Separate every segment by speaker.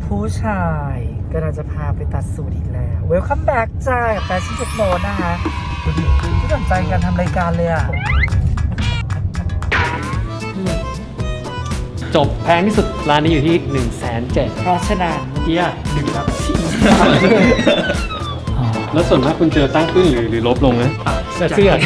Speaker 1: ผู้ชายก็เราจะพาไปตัดสูตรอีกแล้ว Welcome back จ้ากับแฟชั่นเทคโนนะคะดูดิที่สนใจการทำรายการเลยอ่ะ
Speaker 2: จบแพงที่สุดร้านนี้อยู่ที่ 107,000
Speaker 1: เพราะฉะนั้น
Speaker 2: เกียร์ดึงครับ แล้วส่วนมากคุณเจอตั้งขึ้นหรือลบลงนะเสื้อ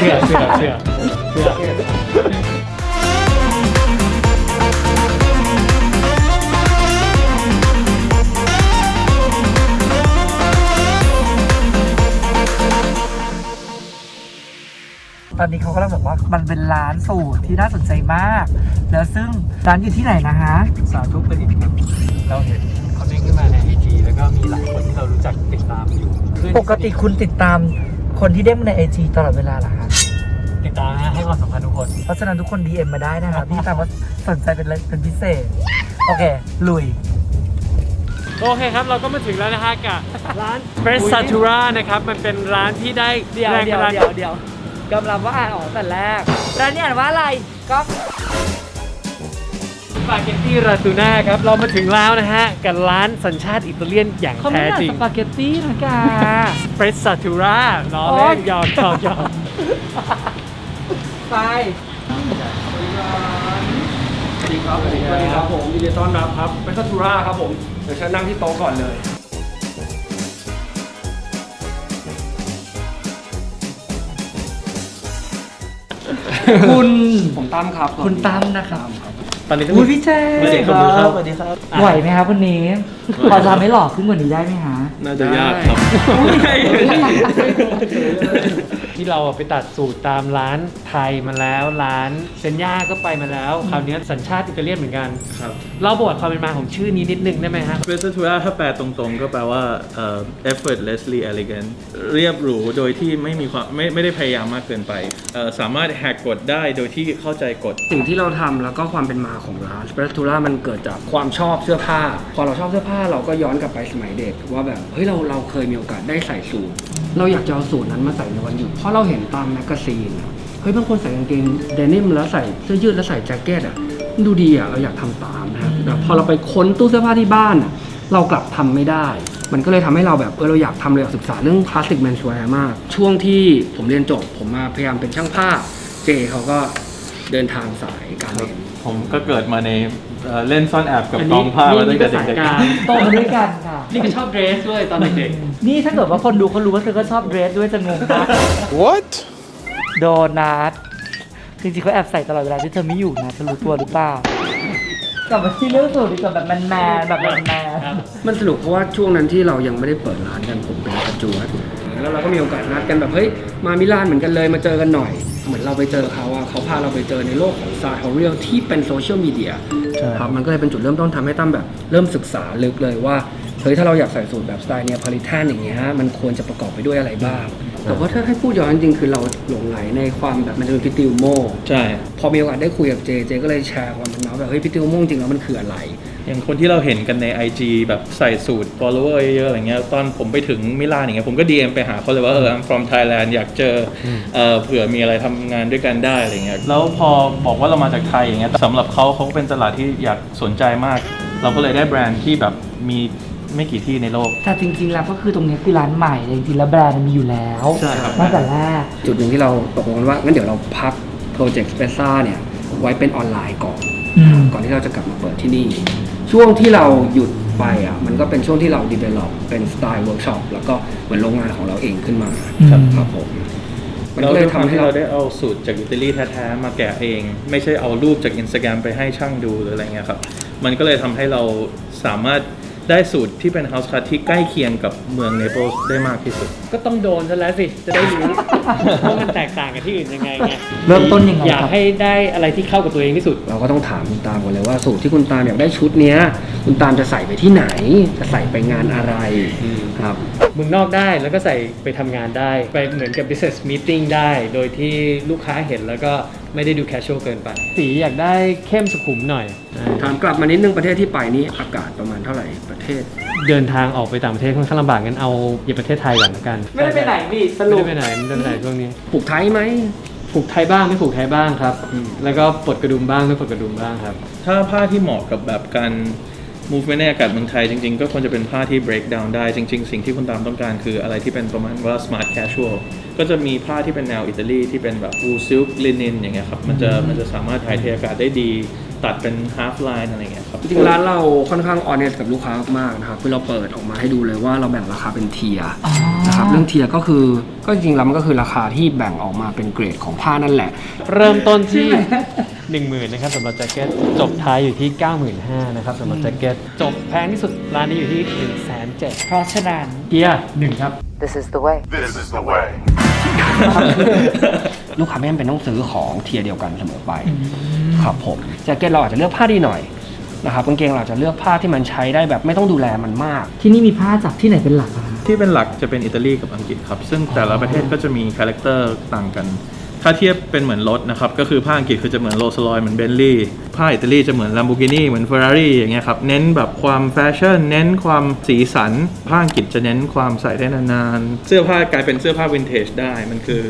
Speaker 1: ตอนนี้เขากำลังบอกว่ามันเป็นร้านสูตรที่น่าสนใจมาก แล้วซึ่งร้านอยู่ที่ไหนนะฮะ
Speaker 2: สาธุประดิษฐ์ครับเราเห็นเขาเด้งขึ้นมาใน IG แล้วก็มีหลายคนที่เรารู้จักติดตามอยู่
Speaker 1: ปกติคุณติดตามคนที่เด้งใน IG ตลอดเวลาเหรอคะ
Speaker 2: ติดตามนะให้ความสำคัญทุกคน
Speaker 1: เพราะฉะนั้นทุกคน DM มาได้นะครับพี่ตามว่าสนใจเป็นพิเศษโอเคลุย
Speaker 2: โอเคครับเราก็มาถึงแล้วนะฮะกับร้าน Fresh Satura นะครับมันเป็นร้านที่ได้แรงบันดาลใจ
Speaker 1: กำลังว่าอ่านออกแต่แรกร้านนี้อ่านว่าอะไรก็
Speaker 2: สปาเกตตี้ราตูน่าครับเรามาถึงแล้วนะฮะกับร้านสัญชาติอิตาเลียนอย่างแท้จริง
Speaker 1: สปาเกตตี้นะกา
Speaker 2: Fresh Satura ล้อเล่นยอม
Speaker 1: ไป
Speaker 3: สวัสดีครับผมยินดีต้อนรับครับเป็นซัตูราครับผมเดี๋ยวฉันนั่งที่โต๊ะก่อนเลย
Speaker 1: คุณ
Speaker 3: ผมตั้มครับ
Speaker 1: คุณตั้มนะครับ
Speaker 2: ตอนนี้
Speaker 1: อุ้ยพี่แจ๊ส
Speaker 2: สวัสดีครับ
Speaker 1: ไหวไหมครับวันนี้พอจะไม่หล่อขึ้นกว่านี้ได้ไหมฮะ
Speaker 3: น่าจะยากครับ
Speaker 2: ที่เราไปตัดสูตรตามร้านไทยมาแล้วร้านเซนย่าก็ไปมาแล้วคราวนี้สัญชาติอิตาเลียนเหมือนกัน
Speaker 3: ครับ
Speaker 2: เราบอกความเป็นมาของชื่อนี้นิดนึงได้ไหมฮะ
Speaker 4: Fresh Satura ถ้าแปลตรงๆก็แปลว่า effortlessly elegant เรียบหรูโดยที่ไม่มีความไม่ได้พยายามมากเกินไปสามารถแหกกฎได้โดยที่เข้าใจกฎ
Speaker 3: สิ่งที่เราทำแล้วก็ความเป็นมาของร้าน Fresh Satura มันเกิดจากความชอบเสื้อผ้าพอเราชอบเสื้อผ้าเราก็ย้อนกลับไปสมัยเด็กว่าแบบเฮ้ยเราเคยมีโอกาสได้ใส่สูทเราอยากจะเอาสูทนั้นมาใส่ในวันหยุดเพราะเราเห็นตามแมกกาซีนเฮ้ยบางคนใส่กางเกงเดนิมแล้วใส่เสื้อยืดแล้วใส่แจ็คเก็ตอ่ะมันดูดีอ่ะเราอยากทำตามนะครับแต่พอเราไปค้นตู้เสื้อผ้าที่บ้านอ่ะเรากลับทำไม่ได้มันก็เลยทำให้เราแบบเราอยากทำเลยอยากศึกษาเรื่องคลาสสิกแมนชัวร์มากช่วงที่ผมเรียนจบผมมาพยายามเป็นช่างภาพเจเขาก็เดินทางสายการเรียน
Speaker 4: ผมก็เกิดมาในเล่นซ่อนแอบกับกองผ้ามาตั้งแต่เด็ก
Speaker 1: ๆโตมาด้วยกันค่ะ
Speaker 2: นี่ก็ชอบเดรสด้วยตอนเด็ก
Speaker 1: ๆนี่ถ้าเกิดว่าคนดูเขารู้ว่าเธอก็ชอบเดรสด้วยจะงงนะ
Speaker 4: What
Speaker 1: โดนัทจริงๆเขาแอบใส่ตลอดเวลาที่เธอไม่อยู่นะเธอรู้ตัวหรือเปล่ากลับมาที่เรื่องสูตรดีกว่าแบบแมนแบบแมน
Speaker 3: มันสนุกเพราะว่าช่วงนั้นที่เรายังไม่ได้เปิดร้านกันผมเป็นปัจจุบันแล้วเราก็มีโอกาสนัดกันแบบเฮ้ยมามิลานเหมือนกันเลยมาเจอกันหน่อยเหมือนเราไปเจอเขาเขาพาเราไปเจอในโลกของซาร์ทอเรียลที่เป็นโซเชียลมีเดียครับมันก็เลยเป็นจุดเริ่มต้นทำให้ตั้มแบบเริ่มศึกษาลึกเลยว่าเฮ้ยถ้าเราอยากใส่สูตรแบบสไตล์เนียพาริแทนอย่างเงี้ยมันควรจะประกอบไปด้วยอะไรบ้างแต่ว่าถ้าให้พูดย้อนจริงๆคือเราหลงไหลในความแบบมันจะเป็นพิติวโม
Speaker 4: ใช่
Speaker 3: พอมีโอกาสได้คุยกับเจก็เลยแชร์ความเป็นมาแบบเฮ้ยพิติวโมจริงแล้วมันคืออะไร
Speaker 4: อย่างคนที่เราเห็นกันใน IG แบบใส่สูตร follower เยอะๆอะไรเงี้ยตอนผมไปถึงมิลานอย่างเงี้ยผมก็ DM ไปหาเขาเลยว่า I'm from Thailand อยากเจอเผื่อมีอะไรทำงานด้วยกันได้อะไรเงี้ยแล้วพอบอกว่าเรามาจากไทยอย่างเงี้ยสำหรับเขาเป็นตลาดที่อยากสนใจมากเราก็เลยได้แบรนด์ที่แบบมีไม่กี่ที่ในโลก
Speaker 1: แต่จริงๆแล้วก็คือตรงนี้คือร้านใหม่จริงๆแล้วแบรนด์มันมีอยู่แล้ว
Speaker 4: ใช่ครับ
Speaker 1: ตั้งแต่แรก
Speaker 3: จุดหนึ่งที่เราตกลงกันว่างั้นเดี๋ยวเราพักโปรเจกต์สเปซ่าเนี่ยไว้เป็นออนไลน์ก่อนที่เราจะกลับมาเปิดที่นี่ช่วงที่เราหยุดไปมันก็เป็นช่วงที่เรา develop เป็นสไตล์เวิร์กช็อปแล้วก็เหมือนโรงงานของเราเองขึ้นมาครับผม
Speaker 4: มันก็เลยทำให้เราได้เอาสูตรจากอิตาลีแท้ๆมาแกะเองไม่ใช่เอารูปจาก Instagram ไปให้ช่างดูหรืออะไรเงี้ยครับมันก็เลยทำให้เราสามารถได้สูตรที่เป็น house cut ที่ใกล้เคียงกับเมืองเนเปิลส์ได้มากที่สุด
Speaker 2: ก็ต้องโดนซะแล้วสิจะได้รู้ว่ามันแตกต่างกับที่อื่นยังไงไง
Speaker 1: เริ่มต้นยังไง
Speaker 2: อยากให้ได้อะไรที่เข้ากับตัวเองที่สุด
Speaker 3: เราก็ต้องถามคุณตามก่อนเลยว่าสูตรที่คุณตามอยากได้ชุดเนี้ยคุณตามจะใส่ไปที่ไหนจะใส่ไปงานอะไรครับ
Speaker 2: เมืองนอกได้แล้วก็ใส่ไปทำงานได้ไปเหมือนกับ business meeting ได้โดยที่ลูกค้าเห็นแล้วก็ไม่ได้ดู casual เกินไปสีอยากได้เข้มสุขุมหน่อย
Speaker 3: ถามกลับมานิดนึงประเทศที่ไปนี่อากาศประมาณเท่าไหร่ประเทศ
Speaker 2: เดินทางออกไปต่างประเทศค่อนข้างลำบากงั้นเอาอยู่ประเทศไทยก่อนละกัน
Speaker 1: ไม่ได้ไปไหนนี่สรุป
Speaker 2: ไม่ได้ไปไหนช่วงนี้
Speaker 3: ผูกไทยไหม
Speaker 2: ผูกไทยบ้างไม่ผูกไทยบ้างครับแล้วก็ปลดกระดุมบ้างไม่ปลดกระดุมบ้างครับ
Speaker 4: ถ้าผ้าที่เหมาะกับแบบการ movement ในอากาศเมืองไทยจริงๆก็ควรจะเป็นผ้าที่ break down ได้จริงๆสิ่งที่คุณตามต้องการคืออะไรที่เป็นประมาณว่า smart casual ก็จะมีผ้าที่เป็นแนวอิตาลีที่เป็นแบบ wool silk linen อย่างเงี้ยครับมันจะสามารถถ่ายเทอากาศได้ดีตัดเป็น half line อะไรเงี้ยครับ
Speaker 3: จริงๆร้านเราค่อนข้าง honest กับลูกค้ามากๆนะครับคือเราเปิดออกมาให้ดูเลยว่าเราแบ่งราคาเป็นเทียร์นะครับเรื่องเทียร์ก็คือก็จริงๆแล้วมันก็คือราคาที่แบ่งออกมาเป็นเกรดของผ้านั่นแหละ
Speaker 2: เริ่มต้นที่ 10,000นะครับสำหรับแจ็คเก็ตจบท้ายอยู่ที่ 95,000นะครับสำหรับแจ็คเก็ตจบแพงที่สุดร้านนี้อยู่ที่ 107,000
Speaker 1: เพราะฉะนั้น
Speaker 2: เกียร์1ครับ
Speaker 5: This is the way.
Speaker 6: This is the way.
Speaker 3: ลูกค้าไม่จำเป็นต้องซื้อของเทียร์เดียวกันเสมอไปครับผมแจ็คเก็ตเราอาจจะเลือกผ้าดีหน่อยนะครับกางเกงเราอาจจะเลือกผ้าที่มันใช้ได้แบบไม่ต้องดูแลมันมาก
Speaker 1: ที่นี่มีผ้าจากที่ไหนเป็นหลักอะคะ
Speaker 4: ที่เป็นหลักจะเป็นอิตาลีกับอังกฤษครับซึ่งแต่ละประเทศก็จะมีคาแรคเตอร์ต่างกันถ้าเทียบเป็นเหมือนรถนะครับก็คือผ้าอังกฤษคือจะเหมือนโรลส์รอยซ์เหมือนเบนลี่ผ้าอิตาลีจะเหมือนลัมโบกินีเหมือนเฟอร์รารี่อย่างเงี้ยครับเน้นแบบความแฟชั่นเน้นความสีสันผ้าอังกฤษจะเน้นความใส่ได้นานๆเสื้อผ้ากลายเป็นเสื้อผ้าวินเทจได้มันคือ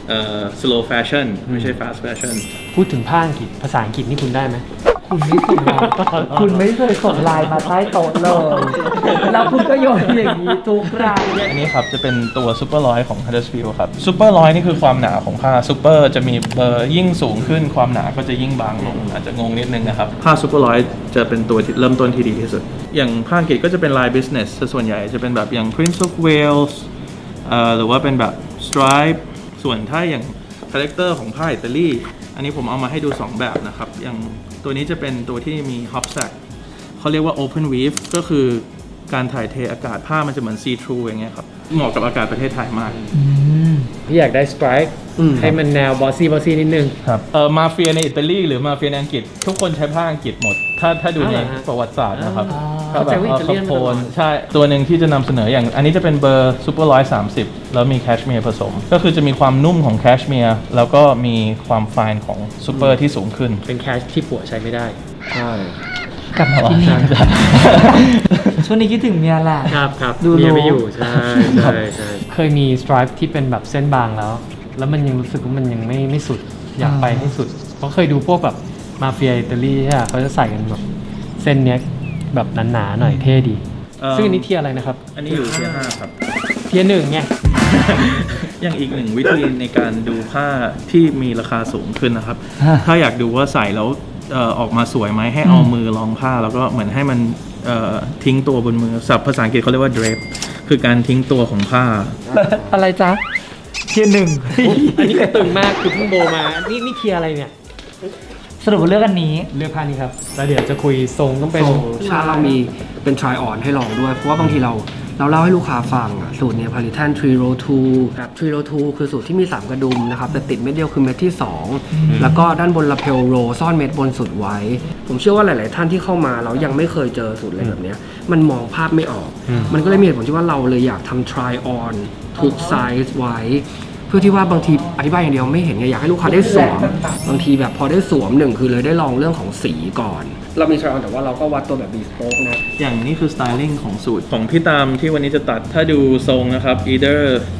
Speaker 4: slow fashion ไม่ใช่ fast fashion
Speaker 2: พูดถึงผ้าอังกฤษภาษาอังกฤษนี่คุณได้ไหม
Speaker 1: คุณไม่ส่งไลน์คุณไม่เคยส่งไลน์มาใต้โต๊ะเลยแล้วคุณก็โยนอย่างนี้ทุกราย
Speaker 4: อันนี้ครับจะเป็นตัวซูเปอร์ร้อยของ Huddersfield ครับซูเปอร์ร้อยนี่คือความหนาของผ้าซูเปอร์จะมีเบอร์ยิ่งสูงขึ้นความหนาก็จะยิ่งบางลงอาจจะงงนิดนึงนะครับผ้าซูเปอร์ร้อยจะเป็นตัวที่เริ่มต้นที่ดีที่สุดอย่างผ้าอังกฤษก็จะเป็นลาย business ส่วนใหญ่จะเป็นแบบอย่าง Prince of Wales หรือว่าเป็นแบบ stripe ส่วนถ้าอย่างคาแรคเตอร์ของผ้าอิตาลีอันนี้ผมเอามาให้ดู 2 แบบนะครับอย่างตัวนี้จะเป็นตัวที่มี hop sack เขาเรียกว่า open weave ก็คือการถ่ายเทอากาศผ้ามันจะเหมือน see through อย่างเงี้ยครับเหมาะกับอากาศประเทศไทยมาก
Speaker 2: พี่อยากได้สไตร์ให้มันแนวบอสซี่นิดนึง
Speaker 4: ครับมาเฟียในอิตาลีหรือมาเฟียในอังกฤษทุกคนใช้ผ้าอังกฤษหมดถ้าดูในประวัติศาสตร์นะครับ
Speaker 2: เข้าใจว่าอิตาเลียน
Speaker 4: โคนใช่ตัวหนึ่งที่จะนำเสนออย่างอันนี้จะเป็นเบอร์ซูเปอร์130แล้วมีแคชเมียร์ผสมก็คือจะมีความนุ่มของแคชเมียร์แล้วก็มีความไฟน์ของซูเปอร์ที่สูงขึ้น
Speaker 2: เป็นแคชที่ผัวใช้ไม่ได้
Speaker 3: ใช่
Speaker 1: กลับมาที่นี่ช่วงนี้คิดถึงเมียแหละ
Speaker 2: ครับ
Speaker 1: ดู
Speaker 2: เมีย
Speaker 1: รู้
Speaker 2: ไม่อยู่ใช่เคยมีสไตร์ที่เป็นแบบเส้นบางแล้วมันยังรู้สึกว่ามันยังไม่สุดอยากไปให้สุดเพราะเคยดูพวกแบบมาเฟียอิตาลีใช่ไหมเขาจะใส่กันแบบเส้นเนี้ยแบบหนาๆหน่อยเท่ดีซึ่งอันนี้เทียร์อะไรนะครับ
Speaker 4: อันนี้อยู่ที่5ครับ
Speaker 2: เทียร์1ไง
Speaker 4: อย่างอีกหนึ่งวิธีในการดูผ้าที่มีราคาสูงขึ้นนะครับ ถ้าอยากดูว่าใส่แล้วออกมาสวยไหมให้เอามือรองผ้าแล้วก็เหมือนให้มันทิ้งตัวบนมือศัพท์ภาษาอังกฤษเขาเรียกว่า drape คือการทิ้งตัวของผ้า
Speaker 1: อะไรจ๊ะเทียร์หนึ่ง
Speaker 2: อันนี้ก็ตึงมากคือเพิ่งโบมานี่เทียร์อะไรเนี่ย
Speaker 1: สรุปว่าเลือกอันนี้
Speaker 2: เลือกผ้านี้ครับแล้วเดี๋ยวจะคุยทรงต้องเป็น
Speaker 3: ร้านเรามีเป็น try on ให้ลองด้วยเพราะว่าบางทีเราเล่าให้ลูกค้าฟังอะสูตรเนี้ย Palitan 3 row 2แบบ3 row 2คือสูตรที่มี 3 กระดุมนะครับแต่ติดเม็ดเดียวคือเม็ดที่ 2 แล้วก็ด้านบน lapel row ซ่อนเม็ดบนสุดไว้ ผมเชื่อว่าหลาย ๆ ท่านที่เข้ามาเรายังไม่เคยเจอสูตรอะไรแบบเนี้ยมันมองภาพไม่ออก มันก็เลยมีเหตุผลที่ว่าเราเลยอยากทำ try on ทุกไซส์ไว้ เพื่อที่ว่าบางทีอธิบายอย่างเดียวไม่เห็นไงอยากให้ลูกค้าได้สวมบางทีแบบพอได้สวมหนึ่งคือเลยได้ลองเรื่องของสีก่อน เรามี try on แต่ว่าเราก็วัดตัวแบบ bespoke นะ
Speaker 4: อย่างนี้คือสไตลิ่งของสูตรของพี่ตามที่วันนี้จะตัดถ้าดูทรงนะครับ either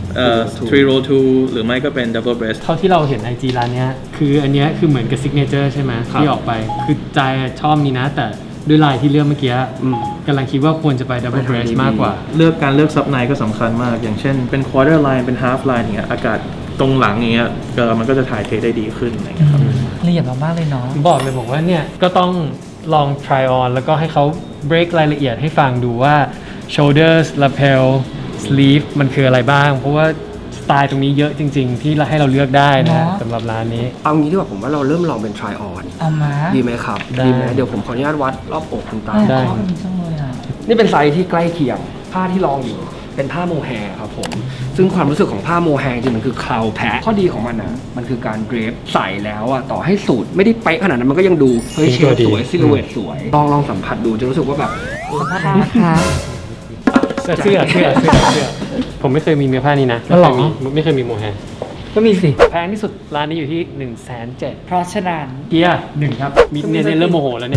Speaker 4: 3 row 2 หรือไม่ก็เป็น double breast
Speaker 2: เท่าที่เราเห็น IG ร้านเนี้ยคืออันเนี้ยคือเหมือนกับซิกเนเจอร์ใช่ไหม
Speaker 4: ครับ
Speaker 2: ที่ออกไปคือใจชอบนี้นะแต่ด้วยลายที่เลือกเมื่อกี้กำลังคิดว่าควรจะไป double breast มากกว่า
Speaker 4: การเลือกซับในก็สำคัญมาก อย่างเช่นเป็น quarter line เป็น half line อย่างเงี้ยอากาศตรงหลังอย่างเงี้ยมันก็จะถ่ายเทได้ดีขึ้นอะไรเงี้ยครับ
Speaker 1: ละเอียดมากๆเลยเนาะ
Speaker 2: บอกว่าเนี่ยก็ต้องลอง try on แล้วก็ให้เขา break รายละเอียดให้ฟังดูว่า shoulders lapel sleeve มันคืออะไรบ้าง เพราะว่าสไตล์ตรงนี้เยอะจริง ๆ ที่ให้เราเลือกได้นะ
Speaker 1: เนาะ
Speaker 2: สำหรับร้านนี้
Speaker 3: เอางี้ดีกว่าผมว่าเราเริ่มลองเป็น try on
Speaker 1: เอามา
Speaker 3: ดีไหมครับ
Speaker 2: ได้
Speaker 3: ดีไหมเดี๋ยวผมขออนุญาตวัดรอบอกคุณตา
Speaker 2: ได้
Speaker 1: ชอบอันนี้จังเลยอ่ะ
Speaker 3: นี่เป็นไซส์ที่ใกล้เคียงผ้าที่ลองอยู่เป็นผ้าโมแฮร์ครับผมซึ่งความรู้สึกของผ้าโมแฮร์จริงๆมันคือคลาวแพะข้อดีของมันมันคือการเดรฟใส่แล้วอ่ะต่อให้สูตรไม่ได้เป๊ะขนาดนั้นมันก็ยังดูเฮ้ยเชลสวยซิลูเวตสวยลองสัมผัสดูจะรู้สึกว่าแบบ
Speaker 1: สัมภาษณ์นะคะ
Speaker 2: เสื้อผมไม่เคยมีเนื้อผ้านี้นะ
Speaker 1: อ๋อเหรอ
Speaker 2: ไม่เคยมีโมแฮร์
Speaker 1: ก็มีสิ
Speaker 2: แพงที่สุดร้านนี้อยู่ที่ 107,000
Speaker 1: เพราะฉะนั้น
Speaker 2: เกียร์1ครับมีเนี่ยเริ่มโมโหแล้วเนี่ย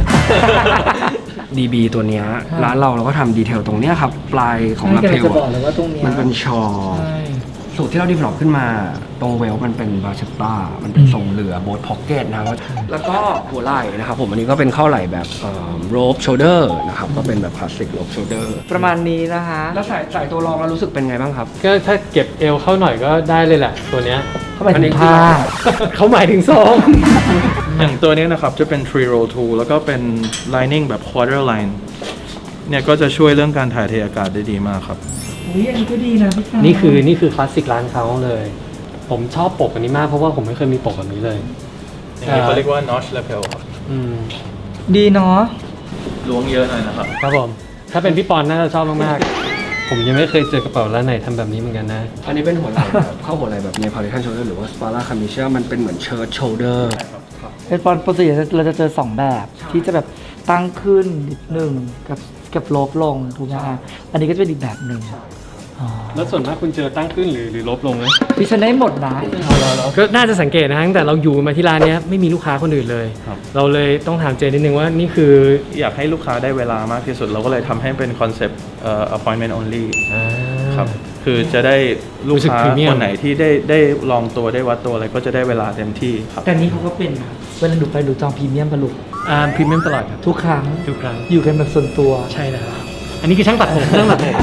Speaker 3: DB ตัวเนี้ยร้านเราก็ทำดีเทลตรงเนี้ยครับปลายของลาเพล
Speaker 1: จะบอกเลยว่าตรงเนี้ย
Speaker 3: มันเป็นชอ
Speaker 1: ใช่
Speaker 3: สูตรที่เรา develop ขึ้นมาตรงเวลมันเป็นบาเชตตามันเป็นทรงเรือโบ๊ทพ็อกเก็ตนะครับแล้วก็หัวไหล่นะครับผมอันนี้ก็เป็นเข้าไหล่แบบโรบโชเดอร์นะครับก็เป็นแบบคลาสสิกโรบโชเดอร์
Speaker 1: ประมาณนี้นะคะ
Speaker 3: แล้วใส่ตัวรองแล้วรู้สึกเป็นไงบ้างครับ
Speaker 2: ก็ถ้าเก็บเอวเข้าหน่อยก็ได้เลยแหละตัวเนี้ย
Speaker 1: เข้าไปถึงผ้า
Speaker 2: เขาหมายถึงซอง
Speaker 4: อย่างตัวนี้นะครับจะเป็น 3 roll 2 แล้วก็เป็น lining แบบ quarter line เนี่ยก็จะช่วยเรื่องการถ่ายเทอากาศได้ดีมากครับ
Speaker 1: อุ้ยอันนี้ก็ดีนะพี่ตา
Speaker 2: นี่คือคลาสสิกร้านเขาเลย ผมชอบปกอันนี้มากเพราะว่าผมไม่เคยมีปกแบบนี้เลย
Speaker 4: อย่างนี้เขาเรียกว่า notch lapel ครับ
Speaker 2: อืม
Speaker 1: ดีเนาะ
Speaker 4: ล้วงเยอะหน่อยนะครับ
Speaker 2: ครับผม ถ้าเป็นพี่ปอนน่าจะชอบมากๆ ผมยังไม่เคยเจอกระเป๋าร้านไหนทำแบบนี้เหมือนกันนะ
Speaker 3: อันนี้เป็นหัวไหล่แบบเข้าหัวไหล่แบบ Neapolitan shoulder หรือว่า Spara Camiscia มันเป็นเหมือน shirt shoulder
Speaker 1: เป็นปกติเราจะเจอ 2 แบบที่จะแบบตั้งขึ้นนิดหนึ่งกับลบลงถูกไหมคะอันนี้ก็จะเป็นอีกแบบหนึ่งอ๋อ
Speaker 2: แล้วส่วนมากคุณเจอตั้งขึ้นหรือลบลงไหม
Speaker 1: พี่ฉันได้หมดนะ
Speaker 2: ก็น่าจะสังเกตนะตั้งแต่เราอยู่มาที่ร้านเนี้ยไม่มีลูกค้าคนอื่นเลย
Speaker 4: ครับ
Speaker 2: เราเลยต้องถามเจนิดนึงว่านี่คือ
Speaker 4: อยากให้ลูกค้าได้เวลามากที่สุด เราก็เลยทำให้เป็นคอนเซปต์appointment only ครับ คือจะได้ลูกค้า
Speaker 2: รู้สึก premium
Speaker 4: คนไหนที่ได้ลองตัวได้วัดตัวอะไรก็จะได้เวลาเต็มที่ครับ
Speaker 1: แต่นี้เขาก็เป็นนะเวลาหนูไปหนูจองพรีเมียมปะลูก
Speaker 2: พรีเมียมตลอดครับ
Speaker 1: ทุกครั้ง
Speaker 2: ทุกครั้ง
Speaker 1: อยู่กันแบบส่วนตัว
Speaker 2: ใช่แล้วอันนี้คือช่างตัดผมช่างตัดผม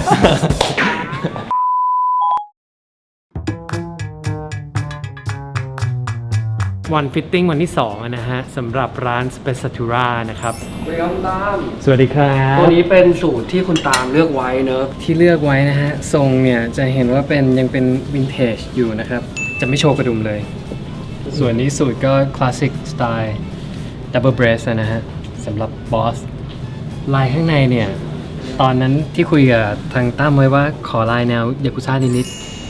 Speaker 2: วันฟิตติ้งวันที่2นะฮะสำหรับร้าน Spezzatura นะครับ
Speaker 3: สวัสดีครับคุณตาม
Speaker 2: สวัสดีครับ
Speaker 3: ตัวนี้เป็นสูตรที่คุณตามเลือกไว้เนอะ
Speaker 2: ที่เลือกไว้นะฮะ ทรงเนี่ย จะเห็นว่ายังเป็นวินเทจอยู่นะครับ จะไม่โชว์กระดุมเลย ส่วนนี้สูตรก็คลาสสิกสไตล์ดับเบิลเบรสนะฮะสำหรับบอส ลายข้างในเนี่ย ตอนนั้นที่คุยกับทางตั้มไว้ว่าขอลายแนวยากุซ่านิด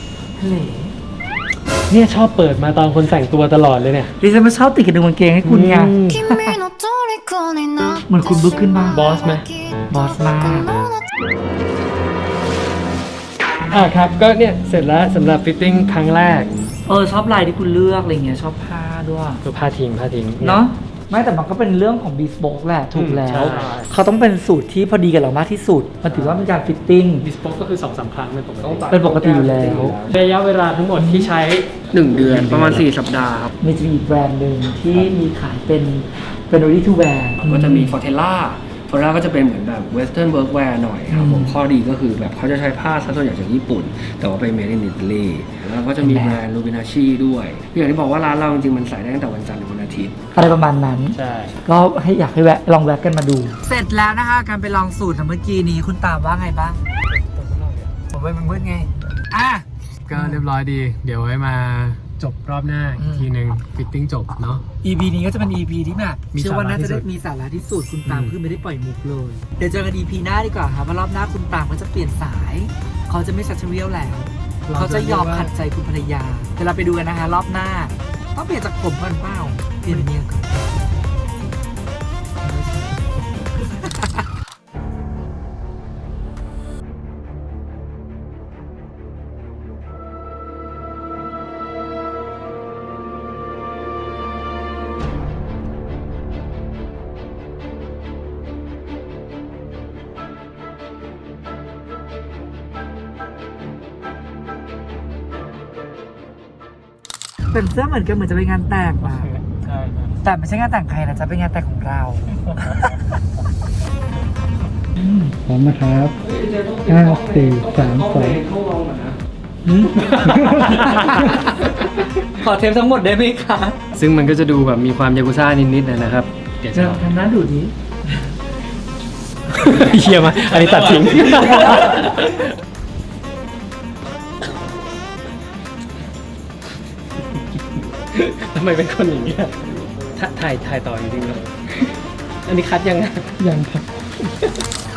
Speaker 2: ๆเนี่ยชอบเปิดมาตอนคนแต่งตัวตลอดเลยเนี่ย
Speaker 1: ดิฉันมาชอบติดกระดุมกางเกงให้คุณไง
Speaker 5: 君の虜になっ
Speaker 1: เหมือนคุณลุกขึ้นบ้าง
Speaker 2: บอสไหม
Speaker 1: บอสมาก
Speaker 2: ครับก็เนี่ยเสร็จแล้วสำหรับฟิตติ้งครั้งแรก
Speaker 1: ชอบลายที่คุณเลือกอะไรเงี้ยชอบผ้าด้วย
Speaker 2: ก็ผ้าทิ้ง
Speaker 1: เนาะไม่แต่มันก็เป็นเรื่องของบีสโบกแหละถูกแล้ว
Speaker 2: ใช่
Speaker 1: เขาต้องเป็นสูตรที่พอดีกับเรามากที่สุด มันถือว่าเป็นการฟิตติ้ง
Speaker 2: ดิสโพก็คือ 2-3 ครั้งเป็นปกติ
Speaker 1: เป็นปกติอยู่แล้ว
Speaker 2: ระยะเวลาทั้งหมดที่ใช้
Speaker 3: 1 เดือนประมาณ 4 สัปดาห์ครับ
Speaker 1: มีจะมีอีกแบรนด์หนึ่งที่มีขายเป็น ready to wear
Speaker 3: ก็จะมี Fortella ก็จะเป็นเหมือนแบบ Western workwear หน่อยครับผมข้อดีก็คือแบบเขาจะใช้ผ้าซะส่วนใหญ่จากญี่ปุ่น แต่ว่าเป็น made in Italy แล้วก็จะมีแบรนด์ Lubinachi ด้วยอย่างที่บอกว่าร้านเราจริงๆมันใส่ได้ตั้งแต่วันจันทร์ถึงวันอาทิตย์
Speaker 1: อะไรประมาณนั้น
Speaker 2: ใช่
Speaker 1: ก็อยากให้ลองแวะกันมาดู เสร็จแล้วนะคะการไปลองสูตรเมื่อกี้นี้คุณตามว่าไงบ้าง ผมไปมันมืดไง
Speaker 2: ก็เรียบร้อยดี เดี๋ยวไว้มาจบรอบหน้าอีกทีหนึ่งฟิตติ้งจบเนาะ
Speaker 1: EP นี้ก็จะเป็น EP ที่แบบ
Speaker 2: มี
Speaker 1: เชื่อว่าน่าจะได้
Speaker 2: สาระที่สุด
Speaker 1: มีสาระที่สุดคุณตามคือไม่ได้ปล่อยมุกเลย เดี๋ยวเจอกัน EP หน้าดีกว่าครับว่ารอบหน้าคุณตามเขาจะเปลี่ยนสาย เขาจะไม่ชัดเชเวียลแล้ว เขาจะยอมขัดใจคุณภรรยาเดี๋ยวเราไปดูกันนะคะรอบหน้า ต้องเปลี่ยนจากผมก่อนเปล่าเปลี่ยนเป็นเมียก่อน เป็นเสื้อเหมือนกันเหมือนจะไปงานแต่งว่ะ
Speaker 2: ใช่
Speaker 1: แต่ไม่ใช่งานแต่งใครนะจะเป็นงานแต่งของเรา พร้อมนะครับ5 4 3 2 ขอเทปทั้งหมดได้ไหมคะ
Speaker 2: ซึ่งมันก็จะดูแบบมีความยากุซ่านิดๆนะครับ เดี๋ยวจะ
Speaker 1: จะทำหน้าดูนี้
Speaker 2: เฮียมาอันนี้ตัดทิ้ง ทำไมเป็นคนอย่างเงี้ยถ่ายต่อจริงๆเลยอันนี้คัดยังไง
Speaker 1: ยังครับ